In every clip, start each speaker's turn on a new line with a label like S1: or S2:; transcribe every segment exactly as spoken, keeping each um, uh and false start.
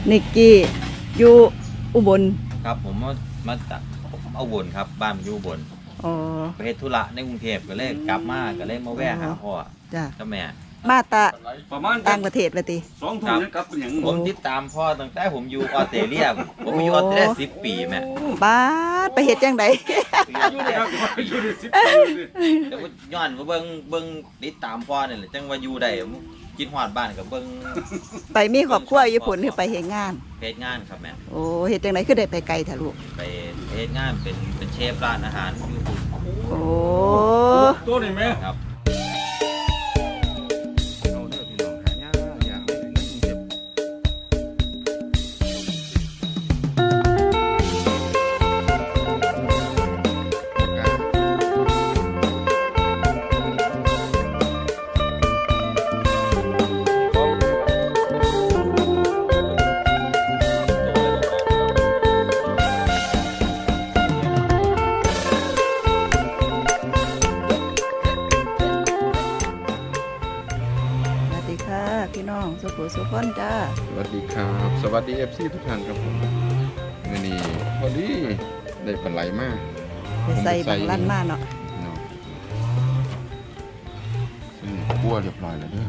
S1: นิกกี้อยู่อุบล
S2: ครับผมมามาจากเอาบนครับบ้านอยู่บน
S1: อ๋อ
S2: ไปเฮ็ดธุระในกรุงเทพก็เลยกลับมาก็เลยมาแวะหาพ่อ
S1: จ้ะ
S2: กับแม่
S1: มาตะ
S3: ประมาณ
S1: ต่างประเทศเลยติ
S3: สองทุ่มยังกลับเป็นอย่าง
S2: ผมติดตามพ่อตั้งแต่ผมอยู่ออสเตรเลียผมอยู่ออสเตรเลียสิบปีแม่
S1: บ้าไปเฮ็ดจังได๋
S3: อยู่ได้ครับอยู่ได้สิบปี
S2: แต่ว่าย้อนว่าเบิ่งเบิ่งติดตามพ่อนี่แหละจังว่าอยู่ได้กินฮอดบ้านกับเบิ่ง
S1: ไปมีครอบครัวญี่ปุ่นคือไปเฮ็ดงาน
S2: เฮ็ดงานครับแม่
S1: โอ้เฮ็ดจังได๋คือได้ไปไกลแท้ลูก
S2: ไปเฮ็ดงานเป็นเป็นเชฟร้านอาหารอยู่ปุ่น
S1: โอ้
S3: ตัวนี้แม่
S2: ครับ
S1: พี่น้องสุขุสุขคนจ้า
S4: สวัสดีครับสวัสดี เอฟ ซี ทุกท่านครับผมวันนี้พอดีได้ปลาไหลมาก
S1: ไปใส่บางลั่นมากเนาะ
S4: เนาะซึ่งคั่วเรียบร้อยแล้วเด้อ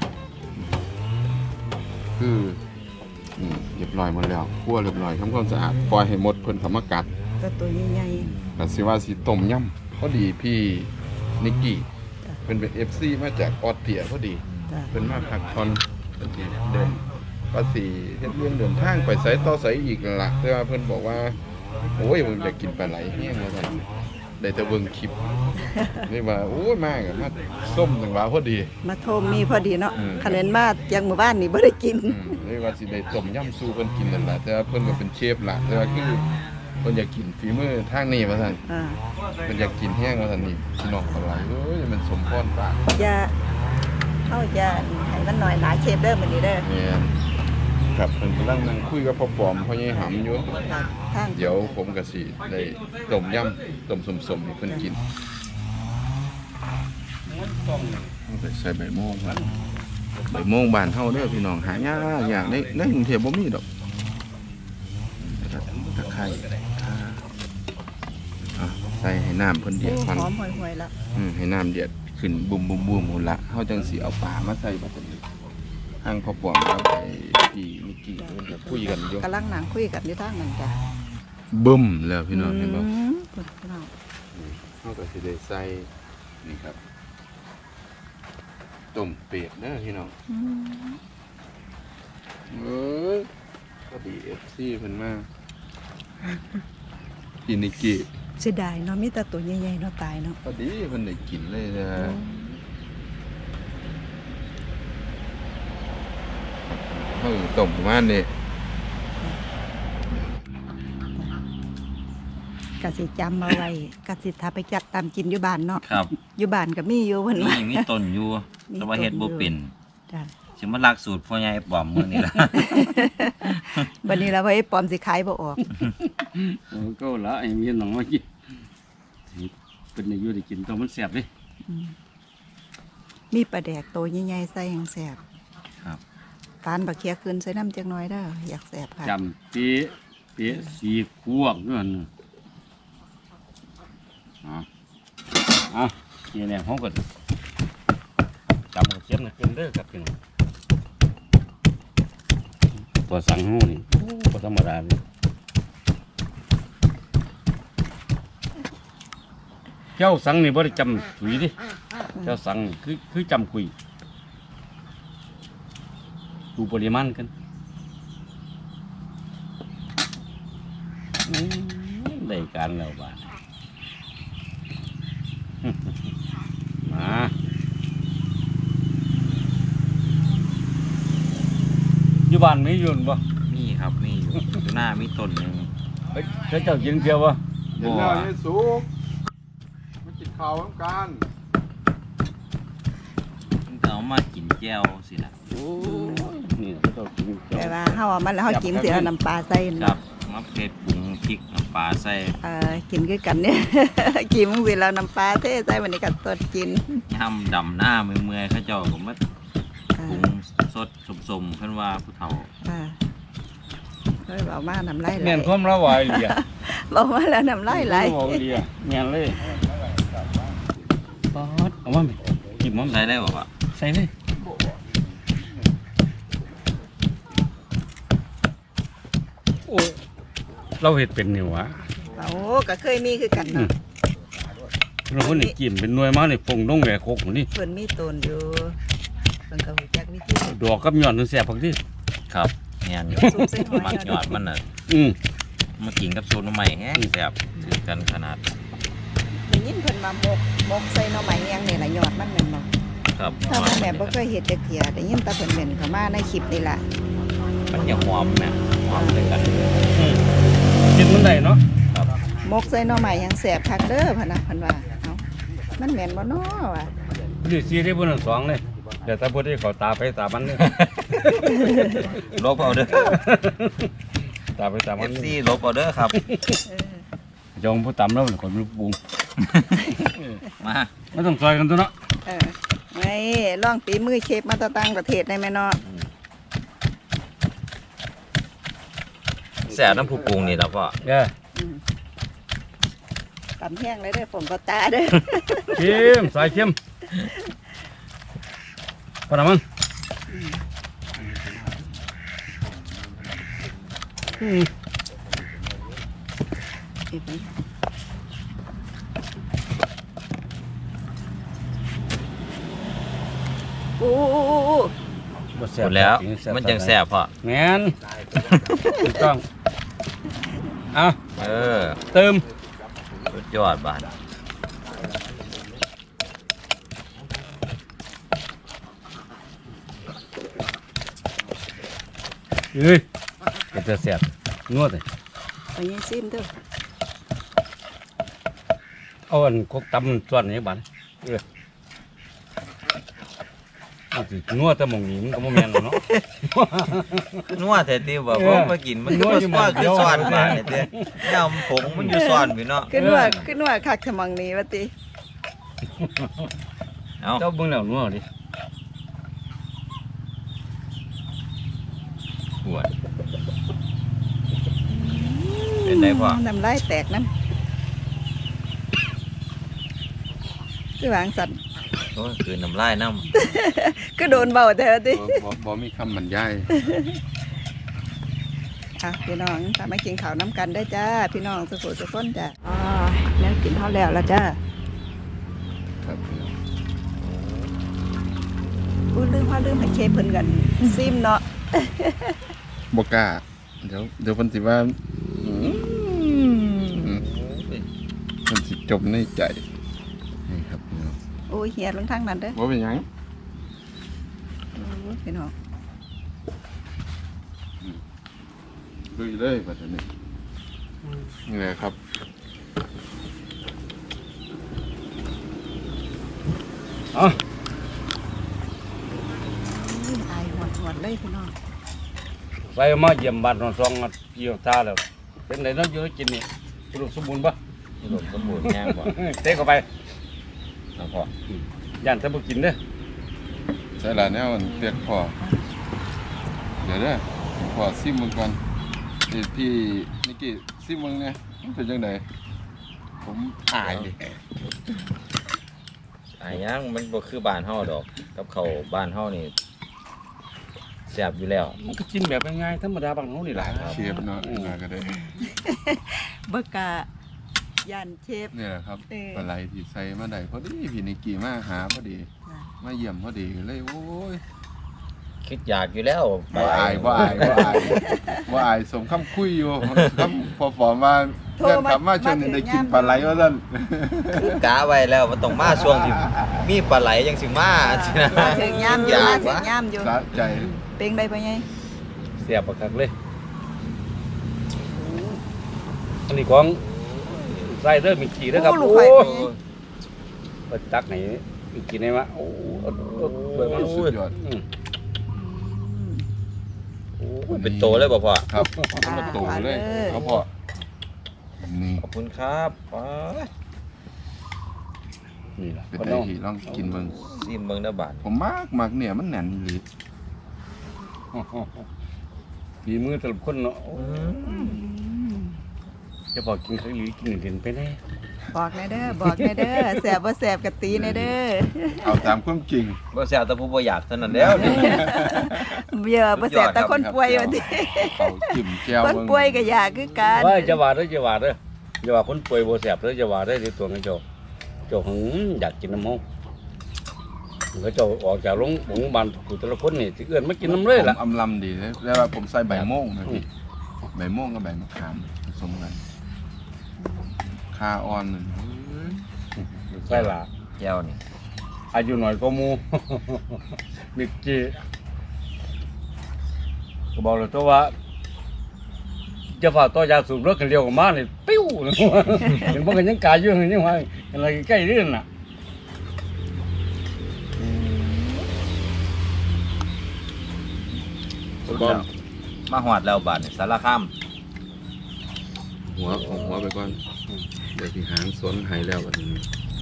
S4: คือนี่เรียบร้อยหมดแล้วคั่วเรียบร้อยทำความสะอาดปล่อยให้หมดเพิ่นเข้ามากัด
S1: ก็ตัวใหญ่
S4: ๆแต่สิว่าสิต้มยำพอดีพี่นิกกี้เพิ่นเป็น เอฟ ซี มาจากออสเตรียพอดีเพิ่นมาพักผ่อนเดินภาษีเฮ็ดเรื่องเดินทางไปไสต่อไสอีกล่ะแต่ว่าเพิ่นบอกว่าโอ้ยผมอยากกินปลาไหลแห้งว่าซั่นได้แต่เบิ่งคลิปนี่ว่าโอ้ยมากอ่ะมาส้มจังหวะพอดี
S1: มาโทมมีพอดีเนาะคะแนนมาจังหมู่บ้านนี่บ่ได้กิน
S4: นี่ว่าสิได้ต้มยำสู้เพิ่นกินนั่นล่ะแต่ว่าเพิ่นก็เป็นเชฟล่ะแต่ว่าคือเพิ่นอยากกินฝีมือทางนี้ว่าซั่นอ่าเพิ่นอยากกินแห้งว่าซั่นนี่พี่น้องปลาไหลเอ้ยมันสมพรปาก
S1: อย่าเอาอย่าให้มันน้อยหลายเชฟเด้อมื้อนี้เด้อ
S4: แม่นครับเพิ่นกำลังนั่งคุยกับพ่อปอมพ่อใหญ่หำอยู่เดี๋ยวผมก็สิได้ต้มยำต้มสมๆให้เพิ่นกินใส่ใบโม่งครับใบโม่งบ้านเฮาเด้อพี่น้องหายากอย่างในในกรุงเทพบ่มีดอกตะไคร้อ่ะใส่ให้น้ำเพิ่นเดือดก่อน
S1: หอมห่วยๆละ
S4: อืมให้น้ำเดือดขึ้นบุ่มๆๆหมดละเฮาจังสิเอาปลามาใส่บัดนี้ทางพ่อปอมกับไอ้พี่นิกกี้เพิ่นก็คุยกันอยู่
S1: กำลังนั่งคุยกันอยู่ทางนั้นจ้ะ
S4: บึ้มแล้วพี่น้องเห็นบ่
S1: พี่น้อง
S4: เฮาก็สิได้ใส่นี่ครับต้มเป็ดเด้อพี่น้องเอ้ยพอดี เอฟ ซี เพิ่นมาพี่นิกกี้
S1: เสียดายเนาะมีแต่ตัวใหญ่ๆเนาะตายเนาะ
S4: พอดีเพิ่นได้กินเลยนะเฮาต้มประมาณนี้
S1: กะสิจำเอาไว้กะสิถ้าไปจัดตามกินอยู่บ้านเนาะ
S2: ครับ
S1: อยู่บ้านก็มีอยู่เพิ่นว่า
S2: มีมีต้นอยู่แต่ว่าเฮ็ดบ่เป็น
S1: จ้ะ
S2: สิมาลักสูตรพ่อใหญ่ปอมมื้อนี้ล่ะ
S1: บัดนี้ล่ะว่าไอ้ปอมสิขายบ่ออก
S3: โอ้ก็ละไอ้มีหนังมากินเป็นได้อยู่ได้กินตัวมันแซ่บเด้
S1: มีปลาแดกโตใหญ่ๆใส่แห้งแซ่บ
S2: ครับ
S1: ตาลบักเขียขึ้นใส่น้ำจักหน่อยเด้ออยากแซ่บค่ะ
S3: จำเป๊ะเป๊ะสีขวบนั่นอ๋ออ่ะนี่เนี่ยเฮาก็จำเขียนน่ะเป็นเด้อครับพี่น้องตัวสังหูนี่บ่ธรรมดาเลยเจ้าสังนี่บ่ได้จำถุยดิเจ้าสังคือคือจำคุยดูปริมาณกันได้การแล้วบ้านมาอยู่บ้านมีอยู่บ่
S2: มีครับมีอยู่อยู่หน้ามีต้นนึง
S3: เฮ้ยเจ้ากินเพียวบ่
S4: เดี๋ยวเราให้สุกมากินข้าวพร้อมกัน
S2: มันก็เอามากินแจ่วสิล่ะ
S3: โอ้นี่เจ้ากิน
S1: แต่ว่าเฮาเอามันแล้วเฮากินสิเอาน้ำปลาใส่
S2: ครับมาเผ็ดปรุงพริกน้ำปลาใส่
S1: เอ่อกินคือกันเนี่ยกินมื้อสิแล้วน้ำปลาเทใส่วันนี้ก็ตดกิน
S2: ยำดำหน้าเมื่อยๆเขาเจ้าก็มาปรุงสดสมๆเพิ่นว่าผู้เฒ่า
S1: ยเบามาน้ำลายไหล
S3: แม่นความละวายเลีย
S1: เบามาแล้วน้ำลายไหล
S3: บ่เลียแม่นเลยป๊อดเอามาแม่กินมัน
S2: ใส่ได้บ่พ่อ
S3: ใส่เลยโอ้ยเราเฮ็ดเป็นนี่หวะ
S1: โอ้ก็เคยมีคือกันเนาะ
S3: เราคนนี่กินเป็นหน่วยมานี่ปงลงแหวกโคกนี่
S1: เพิ่นมีตนอยู่เพิ่นก็รู้จักวิธี
S3: ดอกกับยอดนึงแซ่บพักที่
S2: ครับแม่นอยู่
S1: ซุปเส้นหอย
S2: มักยอดมันน่ะ
S3: อืม
S2: มากินกับสูตรใหม่แฮงแซ่บถือกันขนาด
S1: ได้ยินเพิ่นมาบกบกใส่หน่อไม้แยงนี่ล่ะยอดมันแม่นบ่
S2: ครับ
S1: ถ้าแม่บ่เคยเฮ็ดจักเที่ยได้ยินแต่เพิ่นเม่นเข้ามาในคลิปนี่ล่ะ
S2: มันอย่าหอมแม่หอมเลยกัน
S3: อืมกินมันได้เนาะ
S1: มกใส่หน่อไม้ยังแสบคักเด้อพะนะเพิ่นว่าเอ้ามันแม่นบ่น้อวะ
S3: นี่ซีได้เบนสองเลยเดี๋ยวถ้าพูดได้เขาตาไปตามันเลย
S2: ลบเอาเด้อ
S3: ตาไปตา
S2: เอ
S3: มัน
S2: ฟซีลบเอาเด้อครับ
S1: เออ
S3: จงผู้ตำแล้วมันคนรู้ปรุง
S2: มา
S3: ไม่ต้องซอยกันตัวเนาะ
S1: เออไม่ลองฝีมือเชฟมาแตะต่างประเทศได้ไหมเนาะ
S2: แซ่บน้ำผู้ปรุงนี่แล้วพ่อ
S3: เด้อ
S1: อืมตำแห้งเลยเด้อผมก็ตาเด้อ
S3: เข้มสายเข้มพอนะมั้งอืม
S1: โอ้โอ้โอ้โอ้
S3: บ่
S2: ห
S3: ซ่
S2: ม
S3: บ
S2: ดแล้ว
S3: จริๆ
S2: มันจังแซ่บพ่อ
S3: แม่นถูกต้องเอา
S2: เออ
S3: เติม
S2: สุดยอดบาด
S3: เอ้ยก็จะแซ่บนวดเลย
S1: ไปยังซิมเด้อ
S3: เอาอันกกตำส่วนนี้บ้านเออเอาสินวดแต่หมองนี้มันก็บ่แม่นแล้วเนาะ
S2: นัวแท้ติบ่
S3: เออ
S2: ผมมากินมัน
S3: นั
S2: ก็
S3: ว
S2: บ่
S3: อยู่
S2: ซ้อน
S3: หม้อเดี
S2: คือ
S3: ยว
S2: ซ้อนบาดนี่เด้ยำผงมันอยู่ซ้อนพี่เนาะ
S1: ขึ้นว่าขึ้นว่าคักทมังนี้ว่าติ
S2: เอา
S3: เจ้าเบิ่งแล้วนวดดิ
S2: ปวดเป็นไดพ่อ
S1: น้ำลายแตกน้ำคือวางสัตว์
S2: โอ้ยคือน้ำลายน้ำ
S1: ก็โดนเบาแต่ว่าติ
S4: บ่บ่บ่มีคำบรรยาย
S1: อ่ะพี่น้องทำมากินข้าวน้ำกันได้อจ้าพี่น้องสุขุสุขคนจ้าอ๋อแล้วกินข้าวแล้วละจ้า
S4: ครับ
S1: พูดลืมพ่อลืมให้เชฟเพิ่นกันซิมเนาะ
S4: บ่กล้าเดี๋ยวเดี๋ยวเพิ่นสิว่าอืมอืมเพิ่นสิจมในใจนี่ครับพี่น้อง
S1: โอ้ยเฮียลงทางนั้นเด้อ
S4: บ่เป็นหยัง
S1: โอ้ยพี่น้อง
S4: ลุยเลยบัดนี้นี่แหละครับ
S3: เอ๋อ
S1: อุ้ยอายหวดหวดเลยพี่น้อง
S3: ไปมาเยี่ยมบ้านนอนซองมาเกี่ยวตาแล้วเป็นไดเนาะอยู่กินนี่อุดมสมบูรณ์บ่
S2: อุดมสมบูรณ์แย่งบ่
S3: เตะเข้าไป
S2: แล้วพ่อย่
S3: านแต่บ่กินเด้อ
S4: ใส่ละแนวมันเปียกพอเดี๋ยวเด้อพอซิมมึงก่อนพี่พี่นิกกี้ซิมมึงเนี่ยมันเป็นจังไดผมอายดิ
S2: อ่ายังมันบ่คือบ้านเฮาดอก กับเขาวบ้านเฮานี่แซ่บอยู่แล้ว
S3: มันก็กินแบบง่ายๆธรรมดาบางเฮานี่ล่ะ
S4: เชฟเนาะมาก็ได้
S1: เบิกกะยันเชฟ
S4: นี่แหละครับ
S1: เออ
S4: ปลาไหลที่ใส่มาได้พอดีพี่นิกกี้มาหาพอดี
S1: จ้ะ
S4: มาเยี่ยมพอดีเลยโอ้ย
S2: คิดอยากอยู่แล้ว
S4: บ่อายบ่อายบ่อายบ่อายสมคำคุยอยู่คำพอฟอมมาเพื่อนกลับมาช่วงนี้ได้กินปลาไหลว่าซั่น
S2: คือกะไว้แล้วมันต้องมาช่วงที่มีปลาไหลจังสิมาสินะ
S1: มาถึงย่ามอยู่
S2: อยา
S1: มาก ถึง
S2: วะ
S1: ย่ามอยู่
S4: สะใจ
S1: เป็นได้ปะไง
S3: เสียบบักคักเลยอันนี้ของใส่เด้อมีกี่เด้อครับ
S1: โอ้ลูก
S3: โอ้
S1: ไข่
S3: ย
S1: ไปไง
S3: ไปตักไหนมีกี่ได้วะโอ้เอาเอาเบิ่งมัน
S4: สุดยอด
S3: อืม
S1: อืม
S2: โอ้เป็นโตเลยบ่พ่อ
S4: ครับเอามาโตเลย
S1: อ่าเลย
S4: เขาพอนี่
S2: ขอบคุณครับป๊าด
S3: นี่ล่ะ
S4: เป็น
S3: ก็
S4: ได้
S3: น้อง
S4: ที่ลองกินเบิ่ง
S2: ซิมเบิ่งเด้อบาด
S4: ผมมากมากเนี่ยมันแน่นอีหลี
S3: ฝีมือแต่ละคนเนาะ
S2: อืม
S3: จะบอกกินข้าวหรือกินเด่นไปแน่
S1: บอกแน่เด้อบอกแน่เด้อแสบบ่แสบกะตีแน่เด้อ
S4: เอาตามความจริง
S2: บ่แซ่บแต่ผู้บ่อยากเท่านั้นแล้วนี่
S1: เยอะบ่แสบแต่คนป่วยว่าติ
S4: เขาจิ้มแก้ว
S1: คนป่วยก็อยากคือกัน
S3: ว่าจะว่าเด้อจะว่าเด้อจะว่าคนป่วยบ่แซ่บเด้อจะว่าได้ในตัวของเจ้าเจ้าหึงอยากกินน้ำมันเขาเจ้าออกจากโรงพยาบาลผู้แต่ละคนนี่สิเอื้อนมากินน้ำเลยล่ะ
S4: ผมอำลำดีเลยแล้วว่าผมใส่ใบโม่งนะพี่ใบโม่งกับใบมะขามผสมกันคาออนนั่นเฮ้ย
S3: ใช่ล่ะ
S2: แก้วนี่
S3: อายุหน่อยก็หมู มิกกี้ก็บอกเลยตัวว่าจะฝ่าต่อยาสูบรถกันเร็วกว่ามาเนี่ยปิ้ว เห็นพวกกันยังกายอยู่ยังว่าอะไรใกล้เรื่องน่ะ
S4: ก้อน
S2: มาฮอดแล้วบาดนี่สารคาม
S4: หัวของหัวไปก่อนเดี๋ยวที่หางสวนหายแล้ววันนี้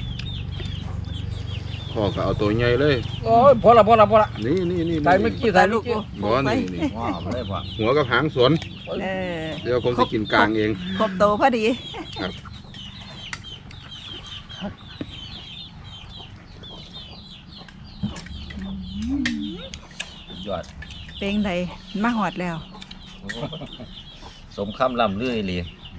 S4: พ่อก็เอาตัวใหญ่เลย
S3: โอ้ยพอละพอละพอละ
S4: นี่นี่นี่
S3: ตายเมื่อกี้ตายเมื่อกี้
S4: บ่นี่นี่
S2: ว้าวเลยพ่อ
S4: หัวกับหางสวน
S1: เออ
S4: เดี๋ยวผมจะกินกลางเอง
S1: ครบโตพอดี
S4: ครับ
S2: ยอด
S1: เป็นไดมาหอดแล้ว
S2: สมคำล่ำลืออีหลี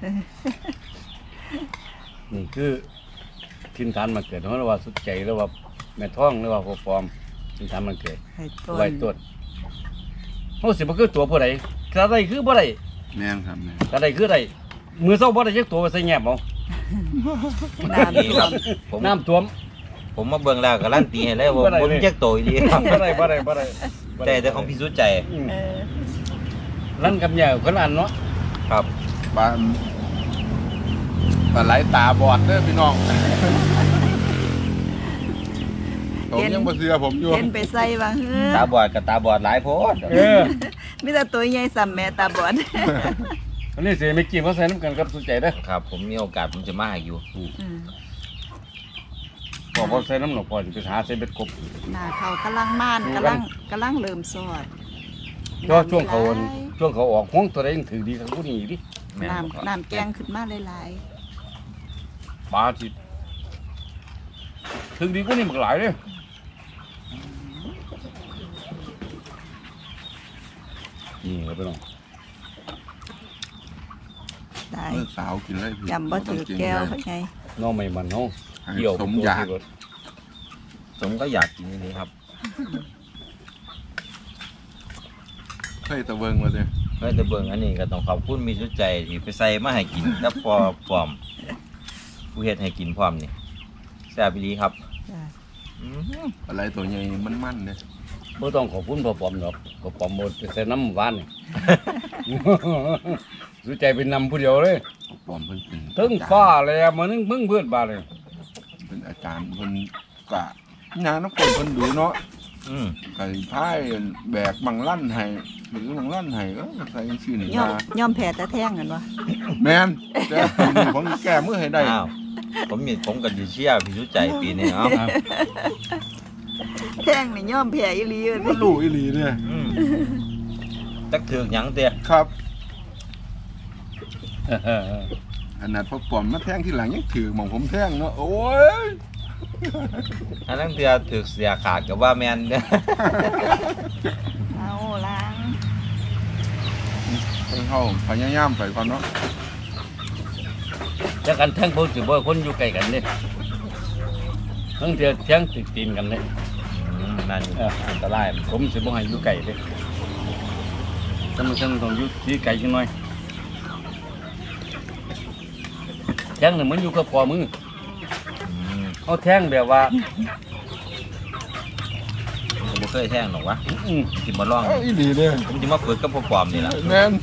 S3: นี่คือทินฐานมาเกิดเพราะว่าสุดใจแล้วว่าแม่ท้องหรือว่าพ่อปอมทินฐานมันเกิด
S1: ให้ต้น
S3: ไว้ต้นเขาสิบ่คือตัวผู้ใดถ้าใดคือบ่ได้
S4: แม่งครับแม่ง
S3: ถ้าใดคือได้มือเศร้าบ่ได้จักตัวไปใส่แงบเอา
S1: น้ำ
S2: นี่
S1: ท่
S2: คว รับ
S1: ม
S2: ผม
S3: น้ำท่วม
S2: ผมมาเบิ่งแล้วการันตีให้เลยว่า
S3: บ่ได้
S2: ผม
S3: เลย
S2: แยกโตอีหลีครับ
S3: บ่ได้บ่ได้บ่ได้บ่ได้
S2: แต่แต่ของพี่สุดใจ
S3: อืม
S1: เออ
S3: นั่นกับแย่คนอันเนาะ
S2: ครับ
S4: ปลาปลาไหลตาบอดเด้อพี่น้องผมยังบ่เชื่อผมอยู่
S1: เห็นไปใส่ว่าเฮ้อ
S2: ตาบอดกับตาบอดหลายโพด
S3: เออ
S1: มีแต่ตัวใหญ่ซ้ำแม่ตาบอด
S3: อันนี้สิไม่กินเพราะใส่น้ำกันกับสุดใจเด้อ
S2: ครับ ผมมีโอกาสผมจะมาให้อยู่
S1: อืม
S3: พอพอใส่น้ำหนอกพอจะไปหาใส่เบ็ดกบ
S1: หน้าเขากำลังม่านกำลังกำลังเริ่มสอด
S3: ก็ช่วงเขาช่วงเขาออกห้องตัวใดยังถือดีทั้งผู้นี้ดิ
S2: แม่นบ่ครับ
S1: น้ำน้ำแกงขึ้นมาหลาย
S3: ปลาจิถือดีกว่านี่มันหลายเลยนี่ครับพี่น้อง
S1: ๆได้
S4: เมื่อสาวกินเลยพี่
S1: จำบ่ถือแก้วเขาไง
S3: น้องไม่มันน้อง
S4: ให้
S3: เกี่ยว
S4: สมอยาก
S2: ผมก็อยากกินอันนี้ครับ
S4: เคยตะเวิงมาเลย
S2: เฮ้ยแต่เบิ่งอันนี้ก็ต้องขอบคุณมีสุดใจที่ไปใส่มาให้กินกับพอพร้อมผู้เฮ็ดให้กินพร้อมนี่แซ่บอีหลีครับ
S1: จ้ะ
S2: อืม
S4: อะไรตัวใหญ่มันมันๆเนี่ย
S3: ไม่ต้องขอบคุณพ่อปอมหรอกพ่อปอมหมดไปใส่น้ำหวานนี่ สุดใจเป็นนำผู้เดียวเลย
S4: ปลอมเพิ่นเป็น
S3: ถึงฟ้าเลยมานึงมึงเพื่อนบาเลย
S4: เป็นอาจารย์เพิ่นกะงานน้ำกลเพิ่นดูเนาะ
S2: อืม
S4: ไก่พายแบกบังลั่นให้หรือบังลั่นให้เออใส่ชื่อนี่
S1: ย่อม
S4: มา
S1: ย่อมแผ่ตะแท่งกันวะ
S4: แม่นแต่ผมแก้มือให้ได้
S2: อ้าวผมมีผมกับยูเชียร์พี่สุดใจปีนี้เอ้า
S1: แท่งนี่ย่อมแผ่อีหลีเลย
S4: มันรู้อีหลีเนี่ย
S2: อืมจักถือกหยังเตี้ย
S4: ครับขนาดพอปลอมมาแท่งที่หลังยังถือหมองผมแท่งเนาะโอ้ย
S2: อันนั้นเตี้ยถือกเสียขาดกับว่าแมนเด้อ
S1: เอาล้าง
S4: เพิ่นเข้าพยายามไปก่อนเนาะ
S3: จะกันแท่งพวกสิบ่คนอยู่ใกล้กันเนี่ยทั้งเทียแท่งติดตีนกันเนี่ย
S2: อืมนั่น
S3: เออ
S2: อันตราย
S3: ผมสิบ่ให้อยู่ไกลเลยจำเป็นต้องอยู่ที่ไกลจังหน่อยแท่งเนี่ยมันอยู่กับพอมือ
S2: อืม
S3: เอาแท่งแบบว่า
S2: ผมบ่เคยแท่งหรอกวะ
S3: อืม
S2: สิมาลอง
S4: เอ้าอีหลีเนี่ย
S2: ผมจะมาฝึกกับพ่อปลอมนี่ล่ะ
S4: แม่น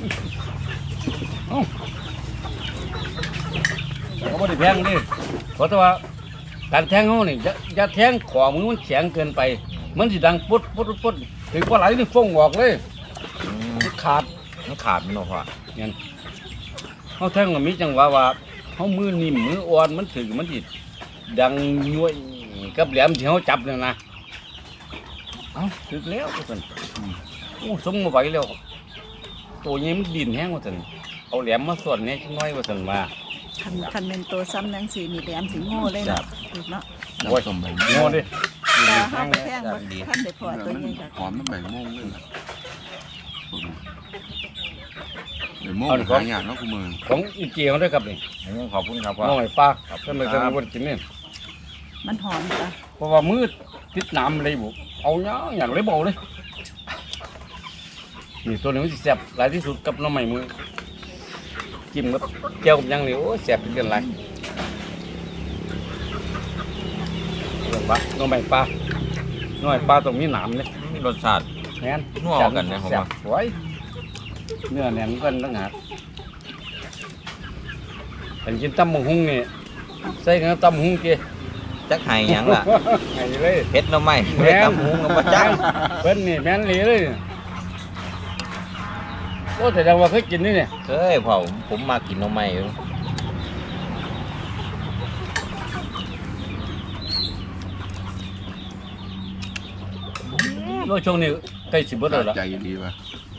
S3: เขาไม่ได้แท่งนี่เพราะว่าการแท่งเขานี่จะจะแท่งขวามือมันแข็งเกินไป มันสิดังปุ๊ดปุ๊ดปุ๊ดถึงปลาไหลนี่ฟงออกเลย
S2: อืม
S3: มันขาด
S2: มันขาดมันเนาะพ่อ
S3: งั้นเขาแท่งมันมีจังหวะว่าเขามือนิ่มมืออ่อนมันถึงมันสิดังย้วยกับแหลมที่เขาจับเนี่ยนะเอ้าถึงแล้วทุกคนโอ้สมมาไหวแล้วตัวนี้มันดินแห้งว่าซั่นเอาแหลมมาส่วนนี้น้อยว่าซั่นว่า
S1: คันคันเป็นตัวซ้ำนังสีนี่แหลมสีโง่เลยเนาะถูกเนาะ
S3: โอ้ย
S4: ต้มใบ
S3: โง่ดิ
S1: ตาห้าไปแท่งบ่ท่านได้พอตัวใหญ่ค่ะ
S4: หอมน้ำใบม่วงเลยล่ะเดี๋ยวโม่งหายากเนาะคุณมือ
S3: ของอีเกียวด้วยครับนี่
S2: อันนี้ขอบคุณครับพ่อ
S3: น้อยปลาท่านไม่เคยมากินนี่
S1: มันหอมจ้ะ
S3: เพราะว่ามืดติดน้ำเลยบุเอาเนาะอย่างเลยบอกเลยนี่ตัวนี้มันสิแซ่บหลายที่สุดกับน้ำใหม่มือจิ้มกับเจียวกับยังนี่โอ้แซ่บเป็นไรเรื่องปลาน้ำใหม่ปลาน้อยปลาตรงนี้หนามเลย
S2: มีรสชาติ
S3: แน่น
S2: นัวกันนะผมว่า
S3: แซ่บสวยเนื้อแน่นกันตั้งหากเป็นกินตำบักหุ่งนี่ใส่กับตำบักหุ่งเกี่ย
S2: จักไห้หยังล่ะ
S3: ไงเลย
S2: เผ็ดหน่อไม้
S3: แม่
S2: เผ็ด
S3: น
S2: ตำหุงกับปลาจัง
S3: เพิ่นนี่แม่นหลีเลยโอ้แต่ดังว่าเคยกินนี่เนี่ย
S2: เคยพ่อผมผมมากินหน่อไม้อยู่
S3: โอ้ช่วงนี้ใกล้สิบเบิดแล้วล่ะ
S4: ใจดีป่ะ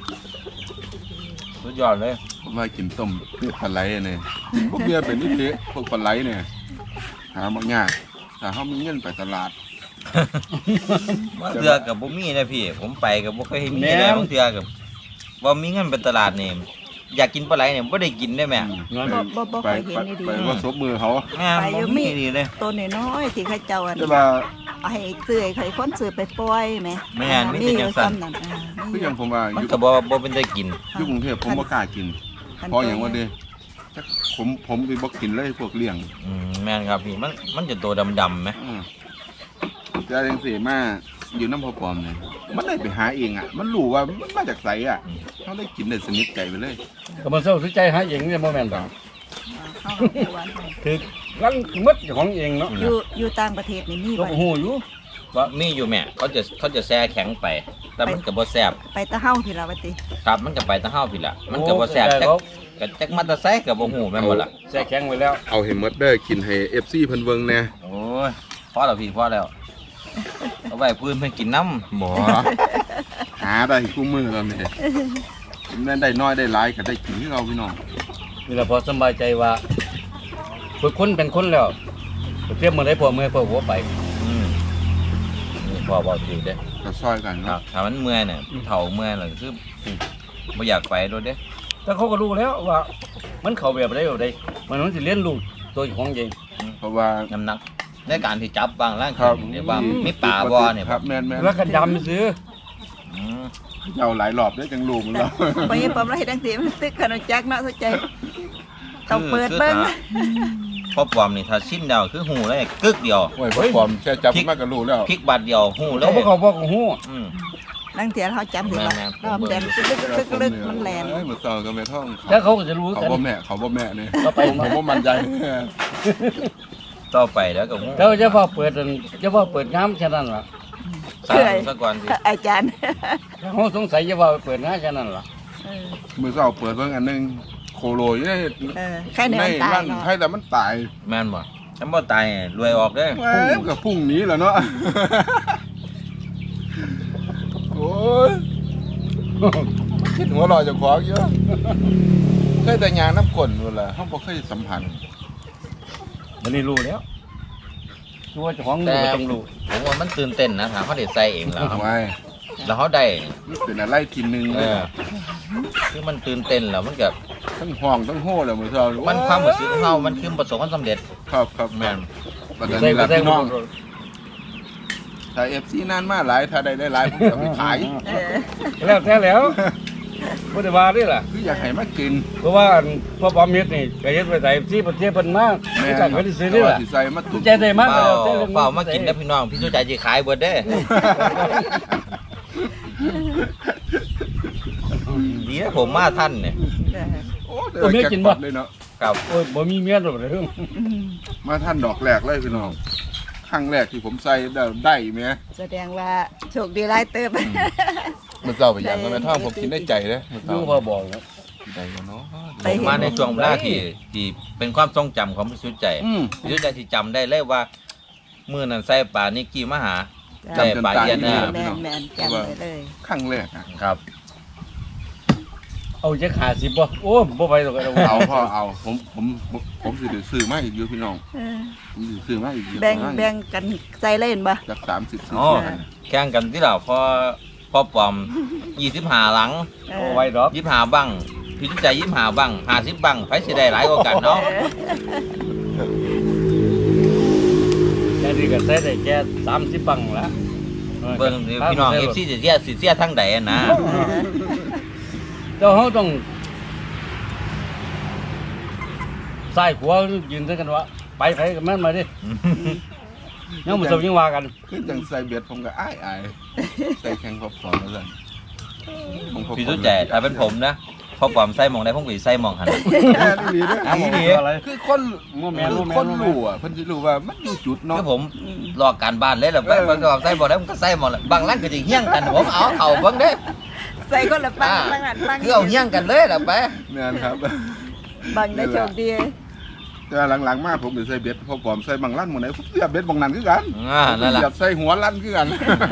S2: สุดยอดเลย
S4: ผมว่ากินต้มพวกปลาไหลเนี่ยพวกเบียร์เป็นนิดเดียวพวกปลาไหลเนี่ยหาบางอย่างแต่เขามีเงินไปตลาด
S2: บางเทือกับบ่มีนะพี่ ผมไปกับบ่เคยเห็นมีเลยบางเทือกับว่ามีเงินเป็นตลาดนี่อยากกินปลาไหลเนี่ยบ่ได้กินได้แม่
S3: เงิน
S1: บ่บ่บ่
S4: ไป
S1: เคยเห็นนี่ดี
S4: ไปว่าซบมือเขา
S2: แม่บ่มีดีเลย
S1: ตัวน้อยๆที่เขาเจ้าอัน
S4: แต่ว่า
S1: เอาให้ซื้อให้ใครคนซื้อไปปล่อยแหม
S2: แม่นมี
S1: มี
S2: แต่
S1: อ
S2: จั
S1: ยู่
S2: งซั่น
S1: ซ้ำนั่นอ่ามี
S4: คือ
S1: อ
S4: อย่าง
S1: ยู่
S4: ผมว่าอ
S2: มัน
S4: ยู่
S2: ก็บ่บ่เป็นได้กิน
S4: อยู่กรุงเทพผมบ่กล้ากิน
S1: คัน
S4: เพราะอย่างว่าเด้จักผมผมไปบ่กินเลยพวกเลี้ยง
S2: อืมแม่นครับพี่มันมันจะตัวดำๆไหม
S4: อืมแต่จังซี่มาอยู่น้ำพอปลอมเนี่ยมันได้ไปหาเองอ่ะ มันรู้ว่ามันมาจากไสอ่ะเขาได้กินได้สนิทใจไปเลย
S3: ก็มันเศร้าสุดใจหาเองเนี่ยโมเมนต์ต่าง
S1: เข้ากับผู้วันให้
S3: คือรันมัดของเองเนาะ
S1: อยู่อยู่ต่างประเทศนี่มี
S3: ก็
S1: ไว้
S3: หูอยู่
S2: ว่ามีอยู่แม่เขาจะเขาจะแช่แข็งไป แต่มันก็บ่แซ่บ
S1: ไปตะเฮาที่ละวะติ
S2: ครับมันก็ไปแตะเฮาพี่ล่ะมันก็บ่แซ่บจักก็จักมาแตะไสก็บ่ฮู้แม่นบ่ล่ะ
S3: แช่แข็งไว้แล้ว
S4: เอาให้หมดเด้อกินให้ เอฟ ซี เพิ่นเบิ่งแหน่
S2: โอ้ยพอแล้วพี่พอแล้วเอาไว้พื้นเพิ่นกินน้ำ
S4: บ่หาได้คู่มือแล้วนี่แม่นได้น้อยได้หลายก็ได้กินคือเอาพี่น้อง
S3: นี่แหละพอสบายใจว่าฝึกคนเป็นคนแล้วเทียบมือได้พอมือพอหัวไป
S2: อืมนี่พอบอกถือเด้
S4: ก็ซอยกัน
S2: ครั
S4: เนาะ
S2: บถ้ามันเมื่อยเนี่ยเฒ่าเมื่อยเลยคือบ่อยากไปโดนเด้
S3: แต่เขาก็รู้แล้วว่า มันเข้าแบบใดแบบใดมันมันสิเลี้ยนลูกตัวของเอง
S4: เพราะว่า
S2: น้ำหนักในการที่จับบางร่าง
S4: ครับ
S2: เดี๋ยวว่ามีป่าบ่เนี่ย
S4: ครับแม่นแม่น
S3: แล้วก็ยำซื้อ
S2: อืม
S4: เอาหลายรอบได้อจังรู้มันแล้ว
S1: ไปยังปอมไรดังสีมันตึกขนมจักเนาะสนใจต้องเปิดเบิ่ง
S2: พอปลอมนี่ถ้าชิ้นเดียวคือหูเลยกึกเดียว
S4: โอ้ยบ่ปลอมแค่จับมาก็รู้แล้ว
S2: พริกบาทเดียวหูเลย
S3: เขาบอกเขาบอกหู
S2: อืม
S1: ลังเทียเขาจำถึงว่า
S2: แม่นๆ
S1: รอบแดนลึกลึกลึกมันแลน
S4: เอ้ยมื้อเช้าก็แม่ท้อง
S3: แล้วเขาก็จะรู้
S4: เขา
S3: กัน
S4: บ่แม่เขาบ่แม่นี่
S3: ก็ไป
S4: ผมบ่มั่นใจ
S2: ต่อไปแล้วก็หู
S3: เขาจะว่าเปิดอันจะว่าเปิดงามแค่นั้นล่ะ
S2: สั่งซะก่อนสิ
S1: อาจารย์
S3: เขาสงสัยจะว่าเปิดงามแค่นั้นล่ะ
S1: เออ
S4: มื้อเช้าเปิดเบิ่งอันหนึงโคโลอยู่ใน
S1: เออแค่ใน
S4: ใน
S1: มันตาย
S4: ร้าน
S1: เนาะ
S4: ให้แต่มันตาย
S2: แม่นบ่ฉันบ่ตายรวยออกเด้อ
S4: แหมก็พรุ่งนี้แหล้วเนาะ โอ้ยคิดหัวเรอจะขวางเยอะเคยแต่ยางน้ำกลนนู่นแหละเขาบ่เคยสัมผัส
S3: วันนี้รู้แล้วรู้ว่าเจ้าของรู้ก็ต้องรู้
S2: ผมว่ามันตื่นเต้นนะถามเขาได้ใส่เองแล้ว
S4: ไว้
S2: แล้วเขาได้
S4: นี่เป็นอะไรทีหนึง
S2: เออคือมันตื่นเต้นแล้วมันก็
S4: ทั้งห้องทั้งโห่เลยมื้อเช้า
S2: มันความรู้สึกของเรามันคือประสบความสำเร็จ
S4: ครับครับ
S2: แม่น
S4: ประเด็น
S3: ใส่
S4: นี้
S3: ก็
S4: ล่ะ
S3: ใส่
S4: พี่
S3: ก็
S4: น้อง
S3: รู้
S4: ถ้า เอฟ ซี นานมาหลายถ้าได้ได้หลายผมจะไปขาย
S1: เออ
S3: แล้วแท้แล้วบ่ได้ว่าด้วยล่ะ
S4: คืออยากให้มากิน
S3: เพราะว่าพ่อปอมเฮ็ดนี่ก็เฮ็ดไปใส่ที่ประเทศเพิ่นมาไม่จักก็ได้ซื้อนี่ล่ะ
S4: สิใส่มาตุ่ม
S3: ใจได้มาก
S2: เปล่า
S3: แล้วแต่รื่อง
S2: เปล่ามากินนะพี่น้องพี่ชูใจจะขายเบิดเด้ดีนะผมมาท่านเนี่ย
S1: เออ
S4: โอ้เดี๋ยวแจ็คพอตเลยเนาะ
S2: ครับ
S3: โอ้ยบ่มีเมียดอกเรื่อง
S1: อืม
S4: มาท่านดอกแรกเลยพี่น้องครั้งแรกที่ผมใส่ได้ได้ไหม
S1: แสดงว่าโชคดีหลายเติบ
S4: มันเจ้าไปอย่างนั้นแม่ท่องผมกินได้ใจเลยมัน
S3: ดู
S4: เจ้า
S3: พอบอกแล้ว
S4: ใจเนาะ
S1: ไป
S2: ผมมาในช่วงเวลาที่ที่เป็นความทรงจำของพี่ชูใจ
S4: อืม
S2: พี่ชูใจที่จำได้เลยว่ามื้อนั้นใส่ปลานิกกี้มาหา
S1: จ้ะ
S2: ใส่ปลาเย็นนะ
S1: แมนแมนจำไว้เลย
S4: ครั้งแรกอะ
S2: ครับ
S3: เอาจะขาสิบบ่โอ้บ่ไปหรอก
S4: เอาพ่อเอาผมผมผมผมสิได้ซื้อมาอีกอยู่พี่น้อง
S1: เออ
S4: ผมสิซื้อมาอีกอยู่
S1: แบ่งแบ่งกันใส่เล่นบ่
S4: จากสามสิบสี่
S2: อ๋อ
S4: สิบ
S2: แข่งกันที่เราพอพอปลอมยี่สิบห้าหลัง
S1: เอ
S3: เอา
S1: อ
S3: ไว้ดอก
S2: ยี่สิบห้าบังพี่ใจยี่สิบห้าบังห้าสิบบังไผสิได้หลายกว่ากันเนาะ
S3: แค่นี้ก็ใช้ได้แค่สามสิบบังละ
S2: เบิ่งสิพี่น้อง เอฟ ซี สิเสียสิเสียทั้งใดอะนะ
S3: เจ้าเขาต้องใส่หัวยืนด้วยกันว่าไปไปกับแม่นมาดิยังมาสมยังว่ากัน
S4: คือจังใส่เบ็ดผมก็อ้ายอายใส่แข่งพอบสอนแล้วกันผมพบ
S2: พี่สุใจถ้าเป็นผมนะพอปลอมใส่หมองได้ผมก็สิใส่หมองหัน
S4: แค่นี้เด้อ
S3: อ้าว
S2: นี่ดิ
S3: อะไร
S4: คือคน
S3: โมแมน
S4: คื
S3: โม
S4: อ
S3: แมน
S4: คน
S3: โมแมน
S4: รู้อ่ะเพิ่นสิรู้ว่ามันอยู่จุดเนาะ
S2: คือผมรอการบ้านเลยแหละไปมันก็ใส่บ่ได้ผมก็ใส่หมองแหละบางร้านก็สิเฮี้ยงกันผมเอาเอาเบิ่งเด้
S1: ใส่คนละปัง
S2: อ่า
S1: ปังอันปัง
S2: คือเอาเฮี้ยงกันเลยล่ะไป
S4: แม่นครับ
S1: บังได้โชคดี
S4: แต่ว่าหลังๆมาผมสิใส่เบ็ดพอปลอมใส่บางลั่นหมื้ไหนผมเสียบเบ็ดบางนั้นคือกัน
S2: อ่านั่นล่ะ
S4: เสียบใส่หัวลั่นคือกัน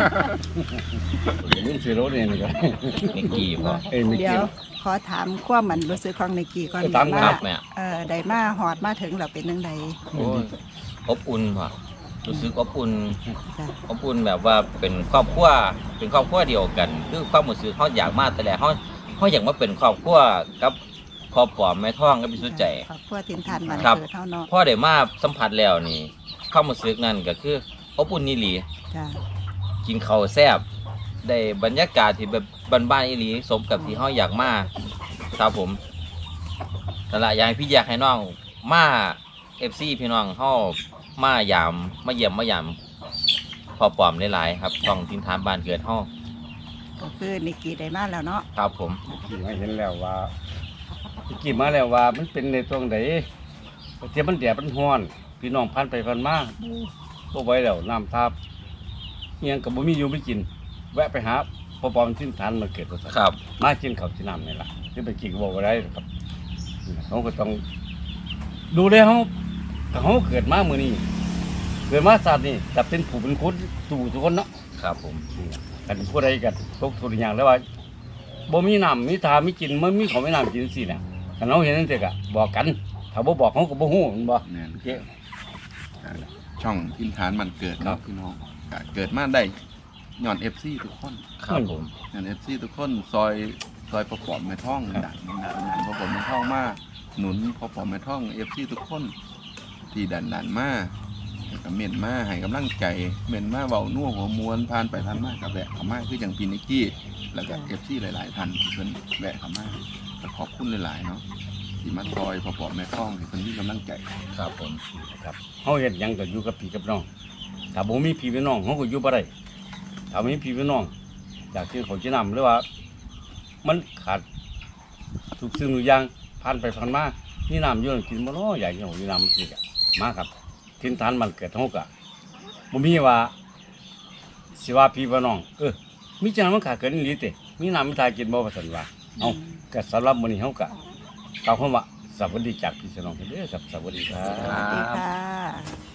S3: นี่สิโรนี่นี่ก็
S2: นี่กี่พอ
S3: เอ้ยไม่
S1: เดี๋ย
S3: เกี่
S1: ว
S3: ยว
S1: ขอถามความมันรู้สึกของในกี่ก่อน
S3: เออตาม
S1: ว่า
S2: ครับแม่
S1: เออได้มาหอดมาถึงแล้วเป็นจังได
S2: โอ้ยอบอุ่นพอรู้สึกอบอุ่น
S1: จ้ะ
S2: อบอุ่นแบบว่าเป็นครอบครัวเป็นครอบครัวเดียวกัน คือความรู้สึกเขาอยากมาแต่แรกเขาเขาอยากมาเป็นครอบครัวกับครอบครัวแม่ท้องกับพี่สุใจ
S1: ครอบครัวถิ่นฐานบ้าน
S2: ครับ
S1: เกิดเฮาเนาะ
S2: พ่อได้มาสัมผัสแล้วนี่ความรู้สึกนั่นก็คืออบอุ่นนี่หลี
S1: จ้ะ
S2: กินข้าวแซ่บได้บรรยากาศที่แบบบ้านๆอีหลีสมกับที่เขาอยากมาครับผมนั่นละอยากให้พี่อยากให้น้องมาเอฟซีพี่น้องเขามายามมาเยี่ยมมายามพอปลอมหลายๆครับต้องทินฐานบ้านเกิดเขา
S1: ก็คือนิกกี้ได้มาแล้วเนาะ
S2: ครับผม
S3: กี่มาเห็นแล้วว่ากี่มาแล้วว่ามันเป็นในตรงไหนเทียบมันแดดมันร้อน พี่น้องพันไปพันมาบ่ไหวแล้วน้ำทับเอียงกับบ่มีอยู่ไม่กิน แวะไปหาพอปอมทิ้นฐานมาเกิดว่าซั่น
S2: ครับ
S3: มากินข้าวที่น้ำนี่ล่ะที่ไปกินก็บอกว่าได้ครับเขาก็ต้องดูแลเขาเขาเกิดมาเมื่อนี้เกิดมาศาสตร์นี่จะเป็นผู้เป็นคนสู่ทุกคนเนาะ
S2: ครับผม
S3: กันผู้ใดกันทุกทุกอย่างแล้วว่าบ่มีน้ำมีทามีกินมันมีของมีน้ำกินสิเนี่ยกันเราเห็นนั่นเถอะกะบอกกันถ้าบ่บอกเขาก็บ่ฮู้มันบ่
S4: แม่น
S3: เจ๊
S4: ช่องทินฐานมันเกิดเนาะพี่น้องก็เกิดมาได้ย้อน เอฟ ซี ทุกคน
S2: ครับผม
S4: ย้อน เอฟ ซี ทุกคนซอยซอยประกอบแม่ท่องดันดันดันประกอบแม่ท่องมาหนุนประกอบแม่ท่อง เอฟ ซี ทุกคนที่ดันดันมาแล้วก็เม่นมาให้กำลังใจเม่นมาเว้านัวหัวมวนผ่านไปผ่านมากับแวะเข้ามาคืออย่างพี่นิกกี้แล้วก็ เอฟ ซี หลายๆท่านที่เพิ่นแวะเข้ามาก็ขอบคุณหลายๆเนาะที่มาซอยประกอบแม่ท่องให้เพิ่นมีกำลังใจ
S2: ครับผม
S3: ครับเฮาเฮ็ดหยังก็อยู่กับพี่กับน้องถ้าบ่มีพี่กับน้องเฮาก็อยู่บ่ได้ถ้ามีพี่กับน้องอยากกินข้าวจีน้ำหรือว่า มันขาดทุกสิ่งทุกอย่างผ่านไปผ่านมานี่น้ำอยู่กินบ่เนาะอยากกินข้าวจีน้ำมันสิกะมาครับทินฐานมันเกิดเฮาก็บ่มีว่าสิว่าพี่ว่าน้องเออมีจังมันขาดเกินอีหลีติมีน้ำมีทากินบ่ว่าซั่นว่าเอ้าก็สำหรับมื้อนี้เฮาก็กล่าวคำว่าสวัสดีจากพี่น้องเด้อครับสวัสดีครั
S1: สวัสดี
S3: บ
S1: ค่ะ